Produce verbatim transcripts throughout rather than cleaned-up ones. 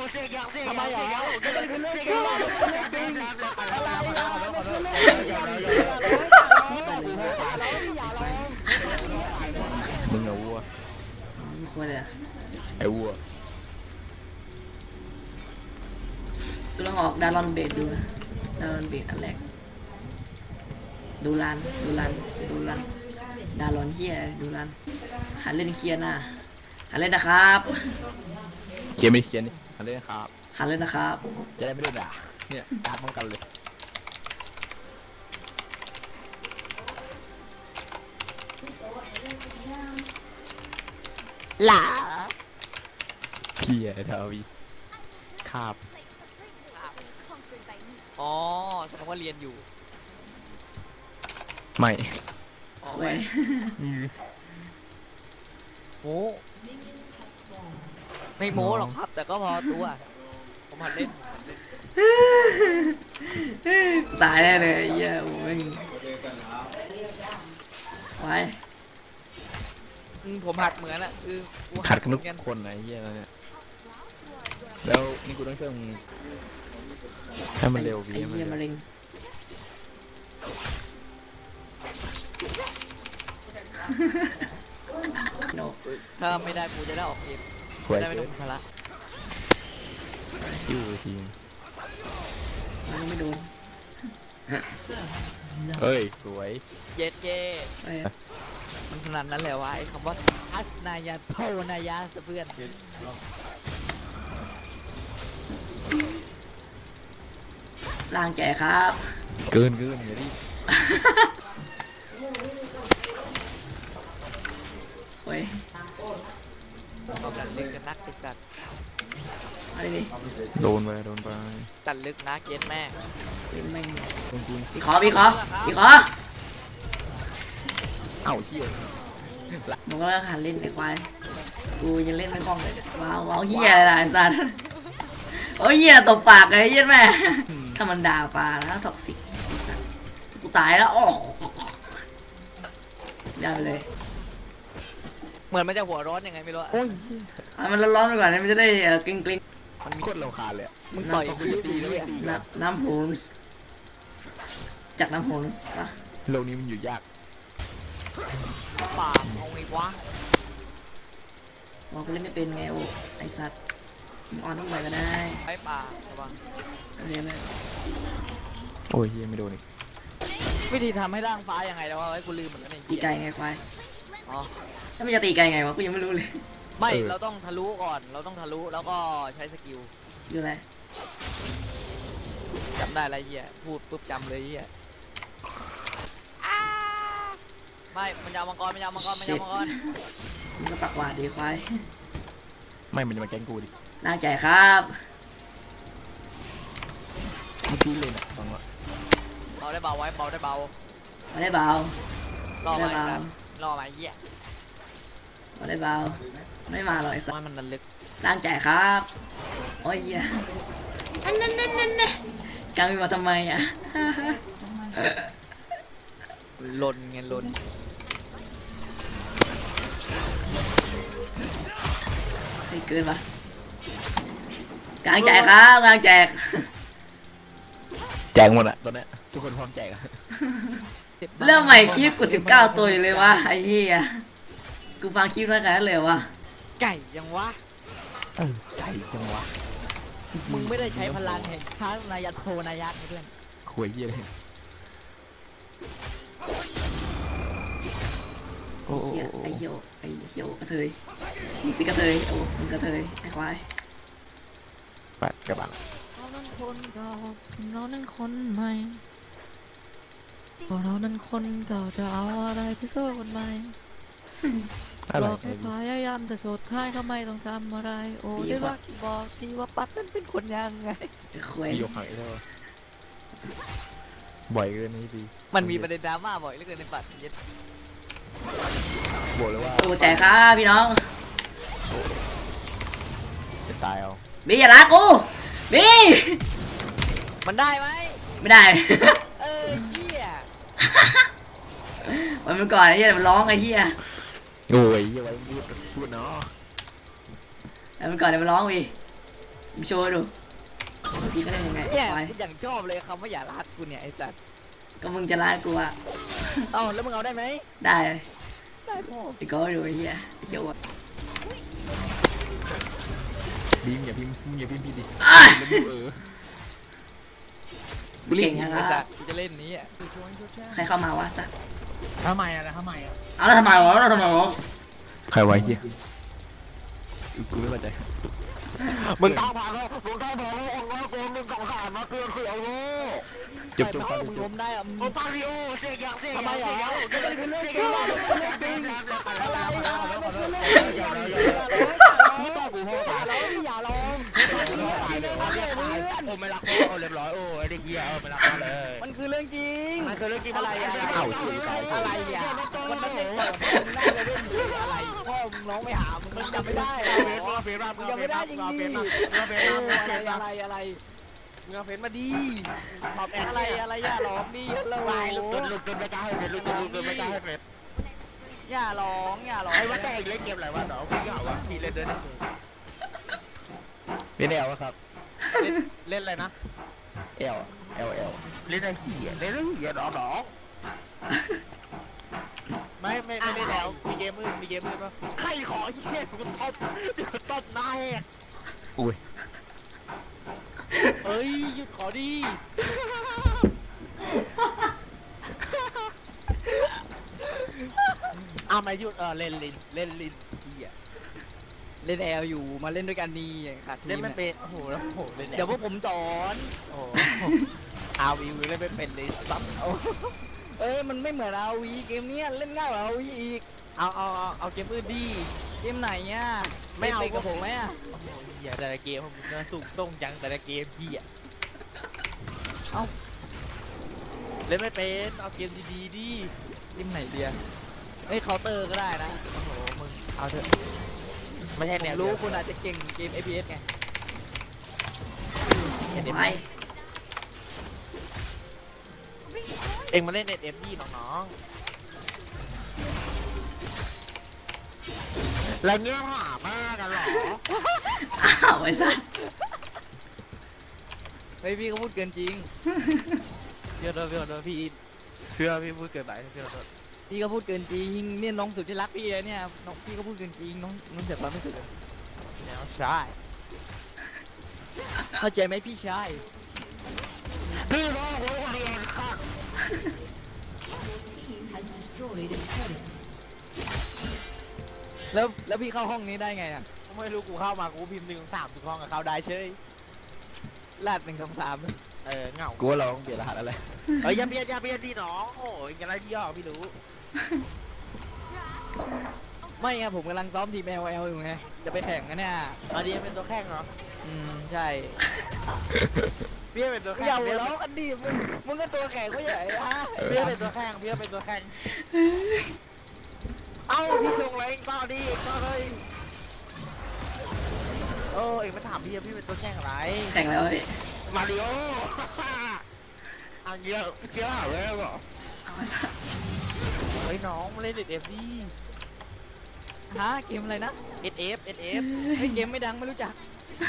เสียงยังเสียงทำไมยังเหรอเสียงยังเป็นเรื่องเสียงจริงยังเป็นเรื่องจริงอะไรอ่ะเป็นเรื่องจริงอย่าร้องอย่าร้องมึงเอาวัวไม่ควรเลยไอ้วัวกูลองออกดารอนเบดดูนะดารอนเบดอันแรกดูรันดูรันดูรันดารอนเฮียดูรันหันเล่นเคลียร์หน้าหันเล่นนะครับเขียนไม่เขียนนี่ทำได้ครับหันเล่นนะครับจะได้ไม่ได้ด่าเนี่ยด่าป้องกันเลยหล่าเพียทาวีคาบอ๋อแสดงว่าเรียนอยู่ไม่อ๋อเว้ไม่ยโม้ไม่โม้หรอกครับ แต่ก็พอตัวผมหัดเล่นหัดเล่นตายแน่เลยเฮียโอ้ยควายอืมผมหัดเหมือนอะคือกูขัดกันเหทุมืกอนกันคนนะไอ้เหี้ยแล้วเนี่ยแล้วนี่กูต้องช่วยมึงให้มันเร็ววีไอ้ให้มันเฮียมะเร็วเร็งโนถ้าไม่ได้กูจะได้ออกเกมควยจะได้ไม่เกิต้อน งภาระยิ้วทีมมันไม่โดนเฮ้ยสวยเย็ดเย่เอ้ยมันขนาดนั้นเลยวะไอ้คำว่าอัสนายาโพนายาเพื่อนล่างแจกครับเกินเกินอย่าดิเว้ยกำลังลึกกันนักติดจัดมาดิดิโดนไปโดนไปจัดลึกนะเกตแม่งเล่นแม่งโดนกูพี่ขอพี่ขอพี่ขอเอ้าเชี่ยมึงก็เลิกหันเล่นไอ้ควายกูยังเล่นไม่คล่องเลยว้าวว้าวเฮียอะไรล่ะไอ้สัสโอ้ยเฮียตบปากไอ้เฮียแม่ถ้ามันด่าปลาแล้วท็อกซิกไอ้สัสกูตายแล้วอ๋อได้ไปเลยเหมือนมันจะหัวร้อนยังไงไม่รู้อะโอ้ยเอามันร้อนๆไปก่อนนะมันจะได้เอ่อกริ๊งกริ๊งมันมีโคตรเราคาญเลยอะมึงต่อยกูจะตีด้วยน้ำน้ำโฮนส์จากน้ำโฮนส์ปะโลกนี้มันอยู่ยากปากเอาไงวะบอกกูเล่นไม่เป็นไงโอ้ไอ้สัสมึงออนต้องไปก็ได้ไอ้ปากระวังเรียนไหมโอ้ยเฮียไม่โดนอีกวิธีทำให้ร่างฟ้ายังไงแล้ววะไอ้กูลืมเหมือนกันไอ้ตีเหี้ยไก่ไงควายอ๋อถ้ามันจะตีไก่ไงวะกูยังไม่รู้เลยไม่เราต้องทะลุก่อนเราต้องทะลุแล้วก็ใช้สกิลอยู่ไหนจำได้อะไรเหี้ยพูดปุ๊บจำเลยเหี้ยไม่มันจะเอามังกรมันจะเอามังกรมันจะเอามังกรมึงก็ปักหวาดดีควายไม่มันจะมาแกล้งกูดิน่าใจครับเมื่อกี้เลยนะฟังว่าเบาได้เบาไว้เบาได้เบามาได้เบารอได้มาเบาแบบรอมาเหี้ยมาได้เบาไม่มาหรอกไอ้สัสว่ามันนันลึกร่างใจครับโอ้ยเหี้ยอันนั้นนั่นนั่นนั่นกางมีมาทำไมอ่ะลนไงลนเฮ้ยเกินปะกางแจกครับกางแจกแจกหมดอะตอนเนี้ยทุกคนพร้อมแจกอะเริ่มใหม่คลิปกูสิบเก้าตัวอยู่เลยวะไอ้เหี้ยกูฟังคลิปแล้วกันเลยวะไก่ยังวะเออใจจังวะมึงไม่ได้ใช้พลังแห่งช้างนายาโทนายะเพื่อนคุยเฮียเลยโอ้โหเหี้ยไอ้เหี้ยวไอ้เหี้ยวกระเทยมึงสิกระเทยโอ้มึงกระเทยไอ้ควายไปกระบะเรานั้นคนเก่าเรานั้นคนใหม่พอเรานั้นคนเก่าจะเอาอะไรไปสู้คนใหม่อะไรบอกให้พยายามแต่สุดท้ายเขาไม่ต้องทำอะไร โอ้ได้ว่าบอกทีว่าปัดมันเป็นคนยังไงไอ้ควายยกหายได้ปะบ่อยเกินนี่พี่มันมีประเด็นดราม่าบ่อยเหลือเกินในปัดเย็ดบอกเลยว่าโอ้แจกครับพี่น้องจะตายเอาบีอย่าละกูบีมันได้ไหมไม่ได้เออเหี้ยมันมันก่อนไอ้เหี้ยมันร้องไอ้เหี้ยโอ้ยอย่าไว้พูดพูดเนาะมันก่อนเดี๋ยวมันร้องบีมึงโชว์ให้ดูตีก็ได้ยังไงเนี่ยไปกูอย่างชอบเลยคำว่าอย่ารัดกูเนี่ยไอ้สัตว์ก็มึงจะลาดกูอะเอ้าแล้วมึงเอาได้ไหมได้ได้พ่อตีก็ดูไอ้เหี้ยไอ้เชี่ยวอะบีมอย่าพิมพ์อย่าพิมพ์พี่ดิอ่ะแล้วมึงเออเก่งยังไอ้ไงสัตว์กูจะเล่นนี้อ่ะใครเข้ามาวะสัตว์ทำไมอ่ะทำไมอ่ะเอาแล้วทำไมวะแล้วทำไมวะใครไว้เฮียกูไม่เข้าใจมึงต้องพาเขามึงต้องพาเขาองค์ว่ากูมึงกองขาดมาเกินคือเอาโง่จบจบถ้าจมึงบล้มได้อ่ะมึงโอปาริโอเสียอย่างเสียทำไมอ่ะก็เลยเป็นเรื่องจริงจริงอะไรนะอย่าร้องอย่าร้องกูพ่ออย่าร้องอย่าร้องโอ้ไม่รักพ่อเรียบร้อยโอ้ไอ้เด็กเหี้ยเออไม่รักพ่อเลยมันคือเรื่องจริงมันคือเรื่องจริงอะไรอ่ะเอ้าสิตายอะไรอ่ะวันนั้นเด็กเปิดมึงน่าจะเล่นอะไรพ่อมึงร้องไม่หามึงจำไม่ได้เฟซมึงเอาเฟซมามึงเอาเฟซมามึงเอาเฟซมามึงเอาเฟซมามึงเอาเฟซมาอะไรอะไรมึงเอาเฟซมาดีตอบแอนอะไรอะไรอย่าร้องดิฮัลโหลวายลุกจนลุกจนไม่กล้าให้เฟซลุกจนลุกจนไม่กล้าให้เฟซอย่าร้องอย่าร้องไอ้ว่าแต่เล่นเกมอะไรวะเนาะพี่เหงาวะพี่เล่นด้วยนะเล่นแอลวะครับเล่นอะไรนะแอลแอลแอลเล่นไอ้เหี้ยเล่นไอ้เหี้ยดอกดอกไม่ไม่ไม่ได้แล้วมีเกมมืดมีเกมมืดป่ะใครขอเหี้ยกูตบเดี๋ยวตบหน้าแหกอุ้ยเอ้ยหยุดขอดีเอามาหยุดเออเล่นลินเล่นลินเหี้ยเล่นแอลอยู่มาเล่นด้วยกันนี่ขาดทีเล่นมไม่เป็นโอ้โหแล้วโอ้โหเล่นเดี๋ยวพวกผมสอนโอ้โหอาวิวเล่นไม่เป็นเลยซับเอาเอ้ยมันไม่เหมือนอาวีเกมเนี้ยเล่นง่ายกว่าอาวีอีกเอาเอาเอาเอาเกมอื่นดีเกมไหนเนี่ยไม่เอาล่นกับผมไหมอ่ะโอ้โหเหี้ยแต่ละเกมของมึงน่าสูงส่งจังแต่ละเกมพี่อ่ะเอ้าเล่นไม่เป็นเอาเกมดีๆดิเกมไหนเดียเอ้ยเคาน์เตอร์ก็ได้นะโอ้โหมึงเอาเถอะไม่ใช่ผแนวมรู้รู้คุณอาจจะเก่งเกม เอ พี เอส ไงไปเองมาเล่นเน็ตเอฟดีน้องๆแล้วเงี้ยหามากกันหรออ้าวไอ้สัตว์เฮ้ยพี่ก็พูดเกินจริงเชื่อเถอะเชื่อเถอะพี่เชื่อพี่พูดเกินไปเชื่อเถอะพี่ก็พูดเกินจริงเนี่ยน้องสุดที่รักพี่เลยเนี่ยน้องพี่ก็พูดเกินจริงน้องน้องเสียความไม่สุดเลยแนวใช่เข้าใจไหมพี่ชายพี่น้องหัวเรียนค่ะแล้วแล้วพี่เข้าห้องนี้ได้ไงอ่ะไม่รู้กูเข้ามากูพิมพ์หนึ่งสามถึงห้องกับเขาได้เฉยลาดหนึ่งสองสามเออเหงากูว่าเราต้องเปลี่ยนรหัสอะไรเอ้ยอย่าเบียดอย่าเบียดดิน้องโอ้ยอะไรพี่อ่ะพี่รู้ไม่ไงผมกำลังซ้อมทีม แอล แอล อยู่ไงจะไปแข่งกันเนี่ยอันนี้เป็นตัวแข่งเหรออืมใช่พี่เป็นตัวแข่งอย่าหัพี่วเราะกันดิมึงมึงก็ตัวแข่งก็ใหญ่ฮะพี่เป็นตัวแข่งพี่เป็นตัวแข่งเอ้าพี่ส่งอะไรเองต่อดิเองต่อเลยโอ้เองมาถามพี่พี่เป็นตัวแข่งอะไรแข่งแล้วพี่มาริโออันเดียวเจ้าหาเลยเหรอเอาไอ้สัตว์เฮ้ยน้องมาเล่นเด็ดเอฟดิฮะเกมอะไรนะเอสเอฟเอสเอฟเฮ้ยเกมไม่ดังไม่รู้จัก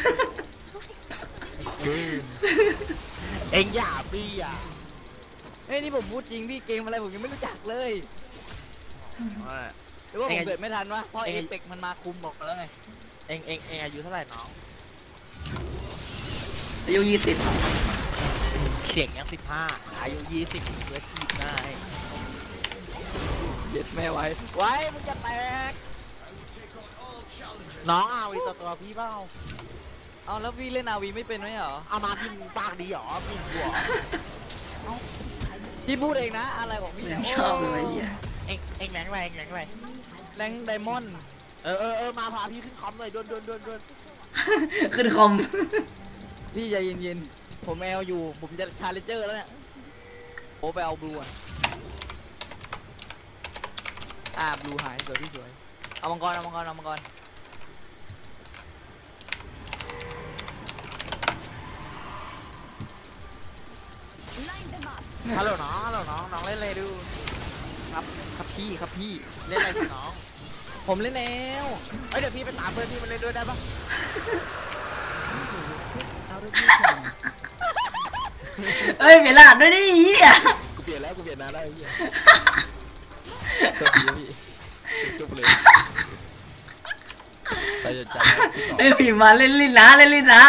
เอ็งอย่าพี่อ่ะเฮ้ยนี่ผมพูดจริงพี่เกมอะไรผมยังไม่รู้จักเลยหรือว่าผมเกิดไม่ทันวะเพราะเอเปกมันมาคุมบอกแล้วไงเอ็งเอ็งเอ็งอายุเท่าไหร่น้องอายุยี่สิบเขียงยังสิบห้าอายุยี่สิบเวทีได้เย็ดแม่ไว้ไว้มึงจะแตกน้องเอาอีกตัวตัวพี่เปล่าเอาแล้วพี่เล่นอาวีไม่เป็นไหมเหรอเอามาพิมพ์ปากดีหรอพิมพ์หัวพี่พูดเองนะอะไรของพี่ยังชอบเลยไอ้เหี้ยเอ็งเอ็งแรงแรงแรงแรงแรงไดมอนด์เออเออเออมาพาพี่ขึ้นคอมเลยดวนดวนดวนดวนขึ้นคอมพี่ใจเย็นๆผมแอลอยู่ผมจะชาเลนเจอร์แล้วเนี่ยโอ้ไปเอาบลูอะอ่าบลูหายสวยพี่สวยเอามังกรเอามังกรเอามังกรฮัลโหลน้องฮัลโหลน้องน้องเล่นอะไรดูครับครับพี่ครับพี่เล่นอะไรสิน้องผมเล่นแอลเอ้ยเดี๋ยวพี่ไปตามเพื่อนพี่มาเล่นด้วยได้ปะเอ้ยเปลี่ยนรหัสด้วยดิเหี้ยกูเปลี่ยนแล้วกูเปลี่ยนนานแล้วไอ้เหี้ยสวัสดีพี่จบเลยไปจะจับเอ้ยพิมพ์มาเล่นลิ้นนะเล่นลิ้นนะ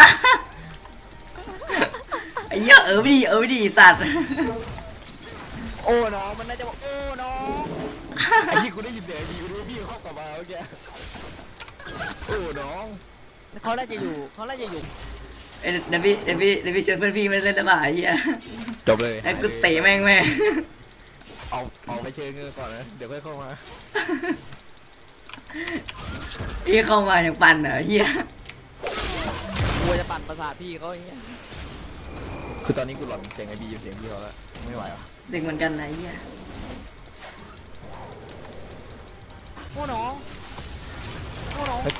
ไอ้เหี้ยเออไม่ดีเออไม่ดีสัตว์โอ้น้องมันน่าจะบอกโอ้น้องไอ้ที่กูได้ยินเสียงดีกูรู้พี่เข้ากลับมาเมื่อกี้โอ้น้องเขาน่าจะอยู่เขาน่าจะอยู่เอ้ยเดี๋ยวพี่เดี๋ยวพี่เดี๋ยวพี่เชิญเพื่อนพี่มาเล่นได้ป่ะไอ้เหี้ยจบเลยไอ้กูเตะแม่งแม่งเอาเอาไปเชิญเงินก่อนนะเดี๋ยวค่อยเข้ามาไอ้เข้ามาอย่างปั่นเหรอเหี้ยกลัวจะปั่นประสาทพี่เขาอย่างเงี้ยคือตอนนี้กูหลอนเสียงไอบีเสียงพี่เขาแล้วไม่ไหวอ่ะเสิ่งเหมือนกันนะไอ้เหี้ยโอ้น้องโอ้น้อง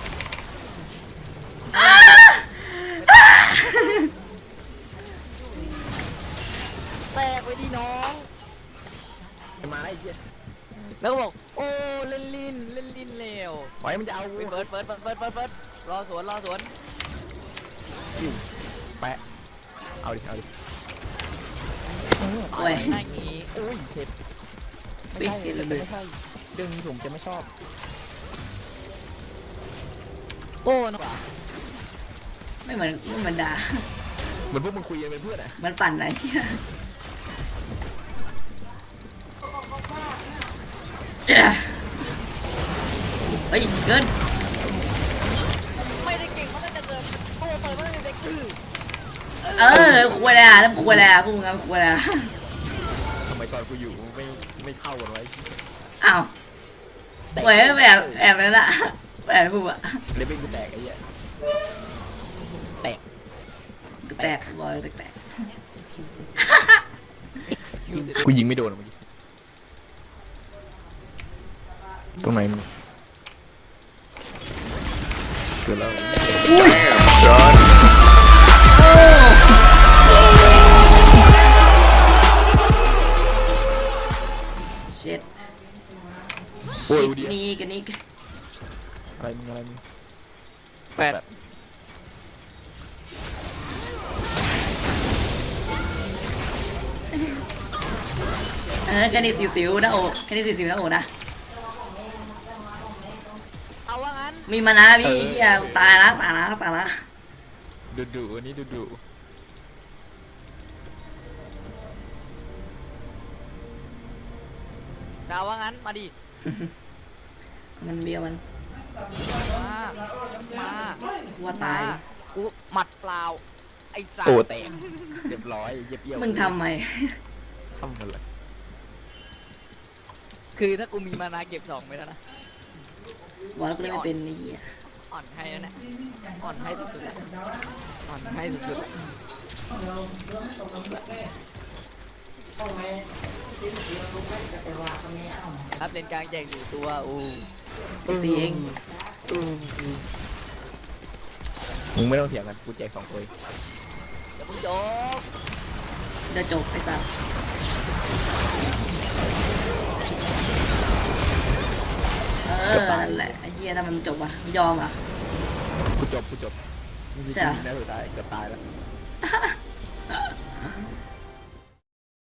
แตกไปดิน้องมาไอ้เหี้ยแล้วก็บอกโอ้เล่นลิ้นเล่นลิ้นเร็วปล่อยมันจะเอากูไปเฟิร์สเฟิร์สเฟิร์สเฟิร์สเฟิร์สเฟิร์สรอสวนรอสวนแปะเอาดิเอาดิโอ้ยหน้างี้โอ้ยเผ็ดเฮ้ยเห็นแล้วเลยไม่ใช่เรื่องนี้ผมจะไม่ชอบโอ้น้องไม่เหมือนไม่เหมือนด่าเหมือนพวกมึงคุยกันเป็นเพื่อนอ่ะมันปั่นนะไอ้เหี้ยเฮ้ยเกินไม่ได้เก่งเขาไม่ได้เกินโอ้เปิดไม่ได้เด็กคือเออควรแล้วแล้วควรแล้วพวกมึงครับควรแล้วทำไมตอนกูอยู่ไม่ไม่เข้ากันไว้อ้าวเว้ยแบบแอบนั่นละแบบพวกอะเลเวลกูแตกไอ้เหี้ยแตกแตกบอยแตกแตกกูยิงไม่โดนเมื่อกี้ตรงไหนมึงเกิดแล้วเช็ดโอ้ยชิดดูดินี่กันนี่อะไรมึงอะไรมึงแปดเออแค่นี้สิวๆนะโอ้แค่นี้สิวๆนะโอ้นะเอาว่างั้นมีมานะพี่เฮียตายนะตายนะตายนะดุดุอันนี้ดุดุเอาว่างั้นมาดิมันเบี้ยวมันมามากูว่าตายมากูหมัดเปล่าไอ้สัตโอ้ว์แตกเรียบร้อยเย็บเยี่ยวมึงทำไมทำอะไรคือถ้ากูมีมานาเก็บสองไปแล้วนะบอกแล้วกูเล่นไม่เป็นไอ้เหี้ยอ่อนให้แล้วเนี่ยอ่อนให้สุดๆแล้วอ่อนให้สุดๆแล้วครับเลนกลางแจกอยู่ตัวอู้เอ็กซีเองมึงไม่ต้องเถียงกันกูแจกสองตัวเดี๋ยวมึงจบจะจบไอ้สัสเออนั่นแหละไอ้เหี้ยถ้ามันจบอ่ะมันยอมอ่ะกูจบกูจบใช่เหรอน่าสุดท้ายเกือบตายแล้ว